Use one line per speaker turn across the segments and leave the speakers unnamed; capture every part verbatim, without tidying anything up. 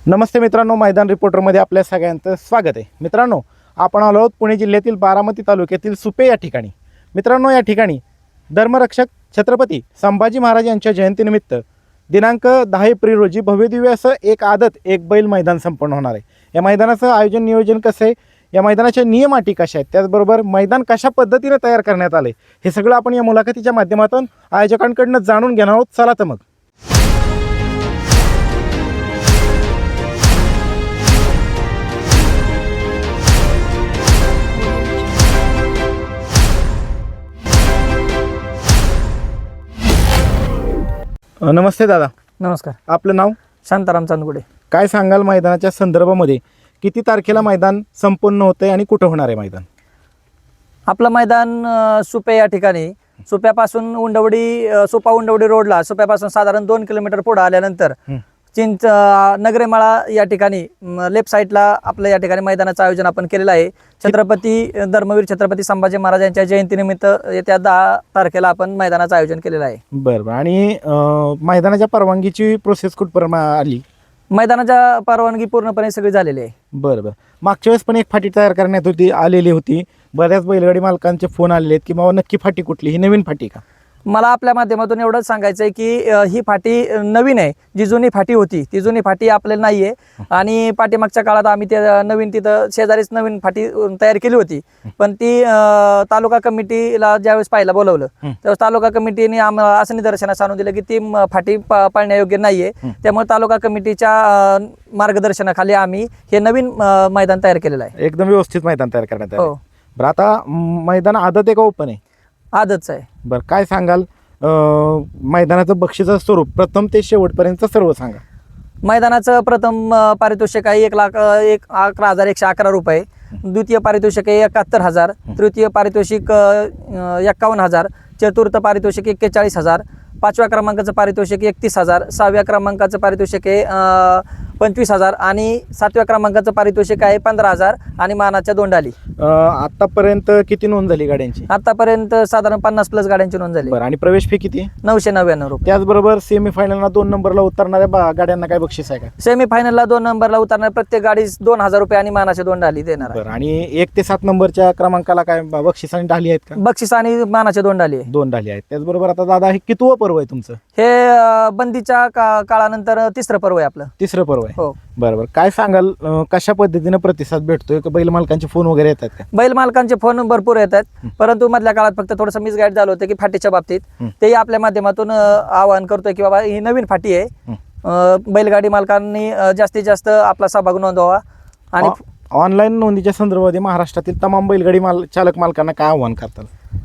नमस्ते मित्रांनो, मैदान रिपोर्टरमध्ये आपल्या सगळ्यांचं स्वागत आहे। मित्रांनो, आपण आलो आहोत पुणे जिल्ह्यातील बारामती तालुक्यातील सुपे या ठिकाणी। मित्रांनो, या ठिकाणी धर्मरक्षक छत्रपती संभाजी महाराज यांच्या जयंतीनिमित्त दिनांक दहा एप्रिल रोजी भव्यदिव्य असं एक आदत एक बैल मैदान संपन्न होणार आहे। या मैदानाचं आयोजन नियोजन कसं आहे, या मैदानाचे नियम अटी कशा आहेत, त्याचबरोबर मैदान कशा पद्धतीने तयार करण्यात आले, हे सगळं आपण या मुलाखतीच्या माध्यमातून आयोजकांकडून जाणून घेणार आहोत। चला तर मग नमस्ते दादा।
नमस्कार।
आपलं नाव?
शांताराम चांदगुडे।
काय सांगाल मैदानाच्या संदर्भामध्ये, किती तारखेला मैदान संपन्न होतंय आणि कुठं होणार आहे मैदान?
आपलं मैदान अ, सुपे या ठिकाणी, सुप्यापासून उंडवडी अ, सुपा उंडवडी रोडला सुप्यापासून साधारण दोन किलोमीटर पुढे आल्यानंतर
हं.
चिंच अ, नगरेमाळा या ठिकाणी लेफ्ट साईडला आपलं या ठिकाणी मैदानाचं आयोजन आपण केलेलं आहे। छत्रपती अ, धर्मवीर छत्रपती संभाजी महाराज यांच्या जयंतीनिमित्त येत्या दहा तारखेला आपण मैदानाचं आयोजन केलेलं आहे।
बरं बरं। आणि अं, मैदानाच्या परवानगीची प्रोसेस कुठपर्यंत आली?
मैदानाच्या परवानगी पूर्णपणे सगळी झालेली आहे।
बरं बरं। मागच्या वेळेस पण एक फाटी तयार करण्यात होती आलेली होती, बऱ्याच बैलगाडी मालकांचे फोन आलेले आहेत की बाबा नक्की फाटी कुठली, ही नवीन फाटी का?
मला आपल्या माध्यमातून एवढंच सांगायचं आहे की अ, ही फाटी अ, नवीन आहे। जी जुनी फाटी होती ती जुनी फाटी आपल्याला नाही आहे आणि पाठीमागच्या काळात आम्ही ते नवीन तिथं शेजारीच नवीन फाटी अ, तयार केली होती, पण ती अ, तालुका कमिटीला ज्यावेळेस पाहायला बोलवलं त्यावेळेस तालुका कमिटीने आम्हाला असं निदर्शनास आणून दिलं की ती म, फाटी पा- पाळण्यायोग्य नाही आहे। त्यामुळे तालुका कमिटीच्या अ, मार्गदर्शनाखाली आम्ही हे नवीन अ, मैदान तयार केलेलं आहे।
एकदम व्यवस्थित मैदान तयार करण्यात आलं।
हो।
बरं, आता म, मैदान आदत आहे का ओपन आहे?
आदतच आहे।
बरं, काय सांगाल अं, मैदानाचं बक्षीचं स्वरूप प्रथम ते शेवटपर्यंत सर्व सांगा।
मैदानाचं प्रथम अ, पारितोषिक आहे एक लाख अ, एक अकरा हजार एकशे अकरा रुपये, द्वितीय पारितोषिक आहे एकाहत्तर हजार, तृतीय पारितोषिक अ, अ, एक्कावन्न हजार, चतुर्थ पारितोषिक एक्केचाळीस हजार, पाचव्या क्रमांकाचं पारितोषिक एकतीस हजार, सहाव्या क्रमांकाचं पारितोषिक आहे अ, पंचवीस हजार आणि सातव्या क्रमांकाचं पारितोषिक आहे पंधरा हजार आणि मानाच्या दोंडाली।
अं, आतापर्यंत किती नोंद झाली गाड्यांची?
आतापर्यंत साधारण पन्नास प्लस गाड्यांची नोंद झाली।
बरं, आणि प्रवेश फी किती?
नऊशे नव्याण्णव रुपये।
त्याचबरोबर सेमीफायनलला दोन नंबरला उतरणाऱ्या बा- गाड्यांना काय बक्षीस आहे का?
सेमीफायनलला दोन नंबरला उतरणार प्रत्येक गाडीस दोन हजार रुपये आणि मानाच्या दोंडाली देणार आहे।
बरं, आणि एक ते सात नंबरच्या क्रमांकाला काय ब- बक्षीस आणि ढाली आहेत का?
बक्षीस आणि मानाच्या दोंडाली आहे।
दोन ढाली आहेत। त्याचबरोबर आता दादा, हे कितवं पर्व आहे तुमचं?
हे अ, बंदीच्या का काळानंतर तिसरं पर्व आहे आपलं।
तिसरं पर्व आहे।
हो।
बरोबर। काय सांगाल अं, कशा पद्धतीने प्रतिसाद भेटतोय? का बैल मालकांचे फोन वगैरे येतात का?
बैल मालकांचे फोन भरपूर येतात, परंतु मधल्या काळात फक्त थोडंसं मिसगाईड झालं होतं की फाटीच्या बाबतीत, तेही आपल्या माध्यमातून अ, आवाहन करतोय की बाबा ही नवीन फाटी आहे, अ, बैलगाडी मालकांनी अ, जास्तीत जास्त आपला सहभाग नोंदवावा। आणि
ऑनलाईन नोंदीच्या संदर्भामध्ये महाराष्ट्रातील तमाम बैलगाडी माल चालक मालकांना काय आव्हान करतात?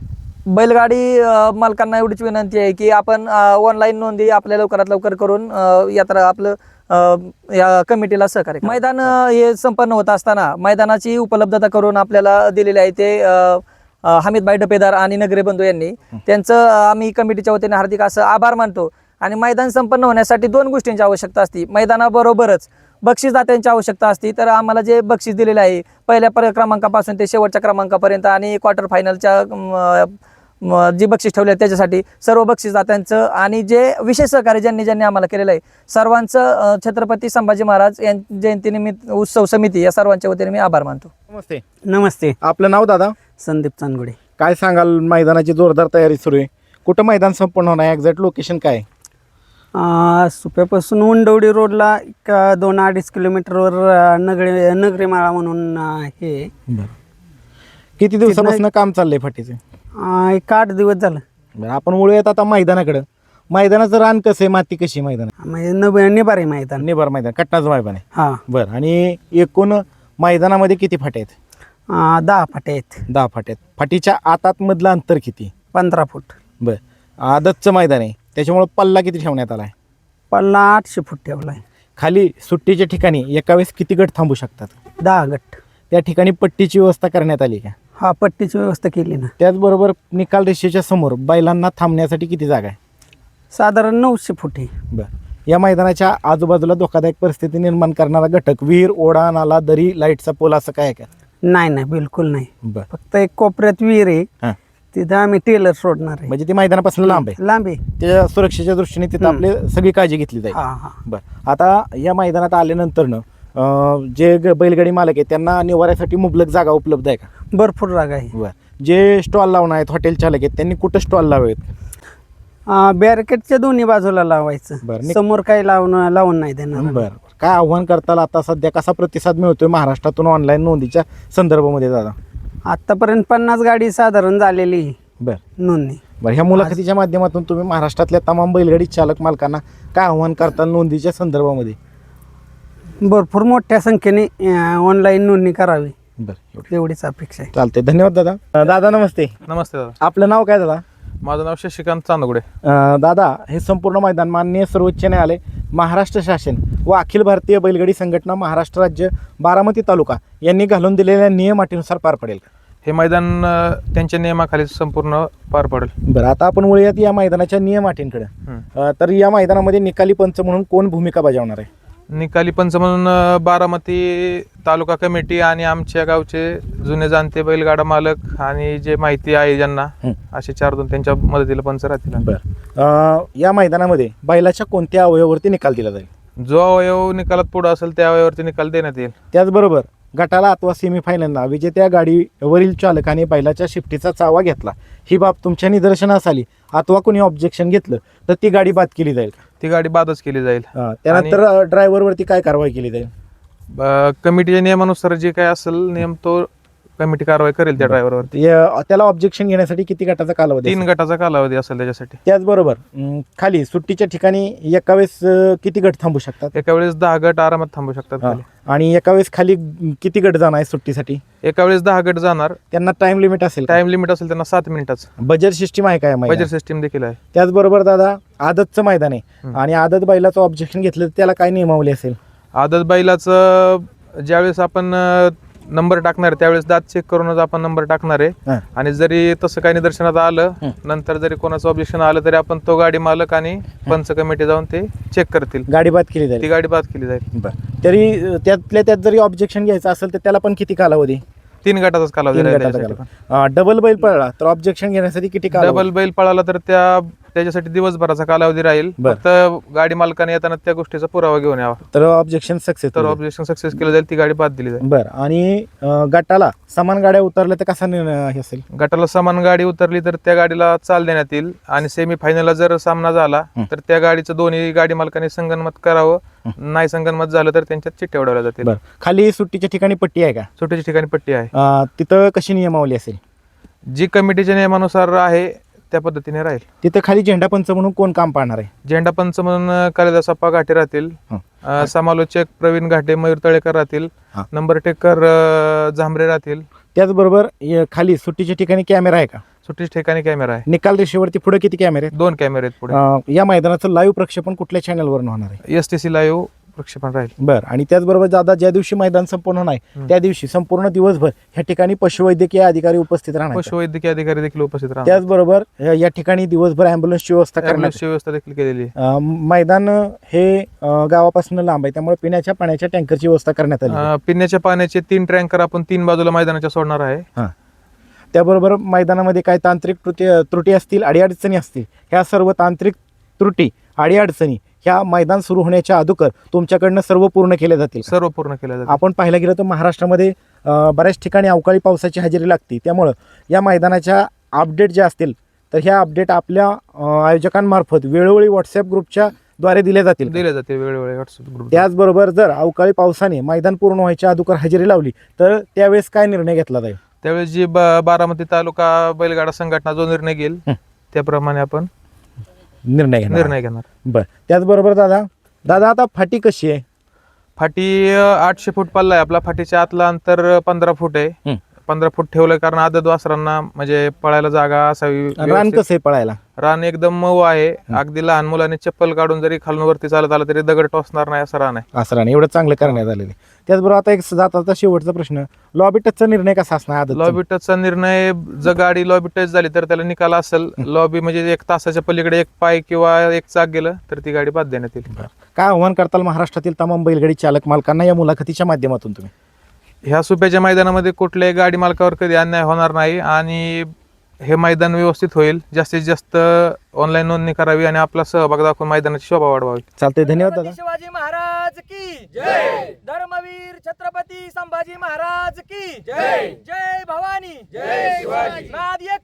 बैलगाडी अ, मालकांना एवढीच विनंती आहे की आपण ऑनलाईन नोंदी आपल्या लवकरात लवकर करून अ, यात्रा आपलं अ, या कमिटीला सहकार्य करा। मैदान अ, हे संपन्न होत असताना मैदानाची उपलब्धता करून आपल्याला दिलेली आहे ते अ, अ, हमीदभाई डपेदार आणि नगरे बंधू यांनी, त्यांचं अ, आम्ही कमिटीच्या वतीने हार्दिक असं आभार मानतो। आणि मैदान संपन्न होण्यासाठी दोन गोष्टींची आवश्यकता असते, मैदानाबरोबरच बक्षीसदात्यांची आवश्यकता असते। तर आम्हाला जे बक्षीस दिलेले आहे पहिल्या पर क्रमांकापासून ते शेवटच्या क्रमांकापर्यंत आणि क्वार्टर फायनलच्या अ, म, जी बक्षीस ठेवले त्याच्यासाठी सर्व बक्षीसदात्यांचं आणि जे विशेष सहकार्य ज्यांनी ज्यांनी आम्हाला केलेलं आहे सर्वांचं अ, छत्रपती संभाजी महाराज यां जयंतीनिमित्त उत्सव समिती या सर्वांच्या वतीने मी आभार मानतो।
नमस्ते।
नमस्ते।
आपलं नाव दादा?
संदीप चांदगुडे।
काय सांगाल, मैदानाची जोरदार तयारी सुरू आहे, कुठं मैदान संपन्न होणार आहे, एक्झॅक्ट लोकेशन काय आहे?
अं, सुप्यापासून उंडवडी रोडला एक दोन अडीच किलोमीटरवर अं, नगरे नगरीमाळा म्हणून अं, हे आहे.
किती दिवसापासून काम चाललंय फाटीचे?
अं, एक आठ दिवस झालं।
बरं, आपण वळूयात आता मैदानाकडं। मैदानाचं रान कसं आहे, माती कशी आहे मैदान?
म्हणजे नब निबारी मैदान।
निबार मैदान, कट्टाचं मैदान आहे।
हा।
बरं, आणि एकूण मैदानामध्ये किती फाटे आहेत?
अं, दहा फाटे आहेत।
दहा फाटे आहेत। फाटीच्या आतात मधलं अंतर किती?
पंधरा फूट।
बरं, आदतचं मैदान आहे त्याच्यामुळे पल्ला किती ठेवण्यात आला आहे?
पल्ला आठशे फूट ठेवला आहे।
खाली सुट्टीच्या ठिकाणी एका वेळेस किती गट थांबू शकतात?
दहा गट।
त्या ठिकाणी पट्टीची व्यवस्था करण्यात आली का?
हा, पट्टीची व्यवस्था केली ना।
त्याचबरोबर निकाल रेषेच्या समोर बैलांना थांबण्यासाठी किती जागा आहे?
साधारण नऊशे फूट आहे।
बरं, या मैदानाच्या आजूबाजूला धोकादायक परिस्थिती निर्माण करणारा घटक, विहीर, ओढा, नाला, दरी, लाईटचा पोल असं काय आहे का?
नाही नाही, बिलकुल नाही।
बरं।
फक्त एक कोपऱ्यात विहीर आहे,
हां,
तिथं आम्ही टेलर सोडणार आहे.
म्हणजे ती मैदानापासून लांब आहे,
लांब आहे.
त्या सुरक्षेच्या दृष्टीने तिथं
हम्म.
आपली सगळी काळजी घेतली जाईल.
हा हा
बरं, आता या मैदानात आल्यानंतरनं अं, जे ग- बैलगाडी मालक आहेत त्यांना निवाऱ्यासाठी मुबलक जागा उपलब्ध आहे का?
भरपूर जागा आहे.
बरं, जे स्टॉल लावणार आहेत हॉटेल चालक आहेत त्यांनी कुठं स्टॉल लावावेत?
बॅरिकेडच्या दोन्ही बाजूला लावायचं.
बरं, नि-
समोर काही लावून लावून नाही देणार.
बरं, काय आव्हान करताल आता सध्या, कसा प्रतिसाद मिळतोय महाराष्ट्रातून ऑनलाईन नोंदीच्या संदर्भामध्ये दादा?
आतापर्यंत पन्नास गाडी साधारण झालेली आहे
बरं
नोंदणी.
बरं, ह्या मुलाखतीच्या माध्यमातून तुम्ही महाराष्ट्रातल्या तमाम बैलगाडी चालक मालकांना काय आव्हान करताल नोंदीच्या संदर्भामध्ये?
भरपूर मोठ्या संख्येने ऑनलाईन नोंदणी करावी
बरं, एवढं
एवढीच अपेक्षा आहे.
चालतंय, धन्यवाद दादा. अं, दादा नमस्ते,
नमस्ते दादा,
आपलं नाव काय दादा?
माझं नाव शशिकांत चांदगुडे.
अं, दादा, हे संपूर्ण मैदान माननीय सर्वोच्च न्यायालय, महाराष्ट्र शासन व अखिल भारतीय बैलगाडी संघटना महाराष्ट्र राज्य बारामती तालुका यांनी घालून दिलेल्या नियम अटीनुसार पार पडेल का?
हे मैदान अ, त्यांच्या नियमाखाली संपूर्ण पार पडेल.
बरं, आता आपण वळूयात या मैदानाच्या नियम अटींकडे.
हं.
अं, तर या मैदानामध्ये निकाली पंच म्हणून कोण भूमिका बजावणार आहे?
निकाली पंच म्हणून अ, बारामती तालुका कमिटी आणि आमच्या गावचे जुने जाणते बैलगाडा मालक आणि जे माहिती आहे ज्यांना,
हं.
असे चार दोन त्यांच्या मदतीला पंच राहतील.
बरं, अं, या मैदानामध्ये बैलाच्या कोणत्या अवयवावरती निकाल दिला जाईल?
जो अवयव निकालात पुढे असेल त्या अवयवावरती निकाल देण्यात येईल.
त्याचबरोबर गटाला अथवा सेमीफायनलला विजेत्या गाडीवरील चालकाने बैलाच्या शिफ्टीचा चावा घेतला, ही बाब तुमच्या निदर्शनास आली अथवा कोणी ऑब्जेक्शन घेतलं तर ती गाडी बाद केली जाईल का?
ती गाडी बादच केली जाईल.
अं, त्यानंतर ड्रायव्हरवरती काय कारवाई केली जाईल?
अ, कमिटीच्या नियमानुसार जे काय असेल नियम तो कमिटी कारवाई करेल त्या ड्रायव्हरवरती.
या- त्याला ऑब्जेक्शन घेण्यासाठी किती गटाचा कालावधी
तीन
असेल?
गटाचा कालावधी असेल त्याच्यासाठी.
त्याचबरोबर अं, खाली सुट्टीच्या ठिकाणी एका वेळेस अं, किती गट थांबू शकतात?
एका वेळेस दहा गट आरामात थांबू शकतात
हा.
खाली.
आणि एका वेळेस खाली अं, किती गट जाणार आहे सुट्टीसाठी?
एका वेळेस दहा गट जाणार.
त्यांना टाइम लिमिट असेल का?
टाइम लिमिट असेल त्यांना सात मिनिटाचं.
बजेट सिस्टीम आहे काय
बजेट सिस्टीम देखील आहे.
त्याचबरोबर दादा, आदतचं मैदान आहे
हं.
आणि आदत बैलाचं ऑब्जेक्शन घेतलं तर त्याला काय नियमावली असेल?
आदत बैलाचं ज्यावेळेस आपण अ, नंबर टाकणार आहे, त्यावेळेस दात चेक करूनच आपण नंबर टाकणार आहे.
हा.
आणि जरी तसं काही निदर्शनात आलं,
हं.
नंतर जरी कोणाचं ऑब्जेक्शन आलं तरी आपण तो गाडी मालक आणि पंच कमिटी जाऊन ते चेक करतील.
गाडी बाद केली
ती
जाईल.
गाडी बाद केली जाईल.
बरं, तरी अं, त्यातल्या त्यात जरी ऑब्जेक्शन घ्यायचं असेल तर त्याला पण किती कालावधी?
तीन गटाचाच कालावधी
तीन
राहील
गटाचा
त्याच्यासाठी.
कालावधी. अं, डबल बैल पळला तर ऑब्जेक्शन घेण्यासाठी किती कालावधी?
डबल बैल पळाला तर त्या त्याच्यासाठी दिवसभराचा कालावधी राहील.
बरं.
फक्त गाडी मालकाने येताना त्या गोष्टीचा पुरावा घेऊन यावा,
तर ऑब्जेक्शन सक्सेस.
तर ऑब्जेक्शन सक्सेस केलं जाईल, ती गाडी बाद दिली जाईल.
बरं, आणि अं, गटाला समान गाड्या उतरल्या तर कसा निर्णय हे असेल?
गटाला समान गाडी उतरली तर त्या गाडीला चाल देण्यात येईल. आणि सेमी फायनलला जर सामना झाला
हं.
तर त्या गाडीचं दोन्ही गाडी मालकाने संगनमत करावं. नाही संगनमत झालं तर त्यांच्यात चिठ्ठ्या उडवल्या जातील.
बरं, खाली सुट्टीच्या ठिकाणी पट्टी आहे का?
सुट्टीच्या ठिकाणी पट्टी आहे.
अं, तिथं कशी नियमावली असेल?
जी कमिटीच्या नियमानुसार आहे त्या पद्धतीने राहील.
तिथं खाली झेंडा पंच म्हणून कोण काम पाहणार आहे?
झेंडा पंच म्हणून कालिदास अप्पा घाटे राहतील.
हं.
अं, समालोचक प्रवीण घाटे मयूर तळेकर राहतील.
हा.
नंबर टेकर अं, झांबरे राहतील.
त्याचबरोबर य- खाली सुट्टीच्या ठिकाणी कॅमेरा आहे का?
सुट्टीच्या ठिकाणी कॅमेरा आहे.
निकाल रेषेवरती पुढे किती कॅमेरे आहेत?
दोन कॅमेरे आहेत पुढे.
अं, या मैदानाचं लाईव्ह प्रक्षेपण कुठल्या चॅनलवर होणार आहे?
एस टी सी लाईव्ह प्रक्षेपण राहील.
बरं, आणि त्याचबरोबर दादा, ज्या दिवशी मैदान संपूर्ण होणार आहे
हं.
त्या दिवशी संपूर्ण दिवसभर ह्या ठिकाणी पशुवैद्यकीय अधिकारी उपस्थित राहणार आहेत.
पशुवैद्यकीय अधिकारी देखील उपस्थित राहणार.
त्याचबरोबर या या ठिकाणी दिवसभर अँब्युलन्सची व्यवस्था करण्यात
ॲम्ब्युलन्सची व्यवस्था देखील केलेली आहे.
अं, मैदान हे अं, गावापासून लांब आहे, त्यामुळे पिण्याच्या पाण्याच्या टँकरची व्यवस्था करण्यात आली आहे.
अं, पिण्याच्या पाण्याचे तीन टँकर आपण तीन बाजूला मैदानाच्या सोडणार आहे.
त्याबरोबर मैदानामध्ये काय तांत्रिक त्रुटी त्रुटी असतील, अडीअडचणी असतील, ह्या सर्व तांत्रिक त्रुटी अडीअडचणी ह्या मैदान सुरू होण्याच्या अगोदर तुमच्याकडनं सर्व पूर्ण केल्या जातील का?
सर्व पूर्ण केल्या जाते.
आपण पाहायला गेलं तर महाराष्ट्रामध्ये अं, बऱ्याच ठिकाणी अवकाळी पावसाची हजेरी लागते, त्यामुळं या मैदानाच्या अपडेट ज्या असतील तर ह्या अपडेट आपल्या अं, आयोजकांमार्फत वेळोवेळी व्हॉट्सअप ग्रुपच्या द्वारे दिल्या जातील का?
दिले जाते वेळोवेळी व्हॉट्सअप ग्रुप.
त्याचबरोबर जर अवकाळी पावसाने मैदान पूर्ण व्हायच्या अगोदर हजेरी लावली तर त्यावेळेस काय निर्णय घेतला जाईल?
त्यावेळेस जी ब- बारामती तालुका बैलगाडा संघटना जो निर्णय घेईल
हं.
त्याप्रमाणे आपण
निर्णय घेणार.
निर्णय घेणार.
बर, त्याचबरोबर दादा दादा आता फाटी कशी आहे?
फाटी अं, आठशे फूट पल्ला आहे आपला. फाटीच्या आतला अंतर पंधरा फूट आहे.
हं.
पंधरा फूट ठेवलं कारण आदत वासरांना म्हणजे पळायला जागा असावी.
रान
व्यवस्थित.
कसं आहे पळायला?
रान एकदम मऊ आहे. अगदी लहान मुलांनी चप्पल काढून जरी खालून वरती चालत आलं तरी दगड टोचणार नाही असं रान आहे.
असं रान एवढं चांगलं करण्यात आलेलं आहे. त्याचबरोबर आता एक जाता शेवटचा प्रश्न, लॉबी टचचा निर्णय कसा असणार? आदतचा?
लॉबी टचचा निर्णय जर गाडी लॉबी टच झाली तर त्याला निकाल असेल. लॉबी म्हणजे एक तासाच्या पलीकडे एक पाय किंवा एक चाक गेलं तर ती गाडी बाद देण्यात येईल.
काय आव्हान करताल महाराष्ट्रातील तमाम बैलगाडी चालक मालकांना या मुलाखतीच्या माध्यमातून तुम्ही?
ह्या सुप्याच्या मैदानामध्ये कुठल्याही गाडी मालकावर कधी अन्याय होणार नाही आणि हे मैदान व्यवस्थित होईल. जास्तीत जास्त ऑनलाईन नोंदणी करावी आणि आपला सहभाग दाखवून मैदानाची शोभा वाढवावी.
चालतंय, धन्यवाद दादा.
छत्रपती शिवाजी महाराज की जय. धर्मवीर छत्रपती संभाजी महाराज की जय. जय भवानी, जय शिवाजी. नाद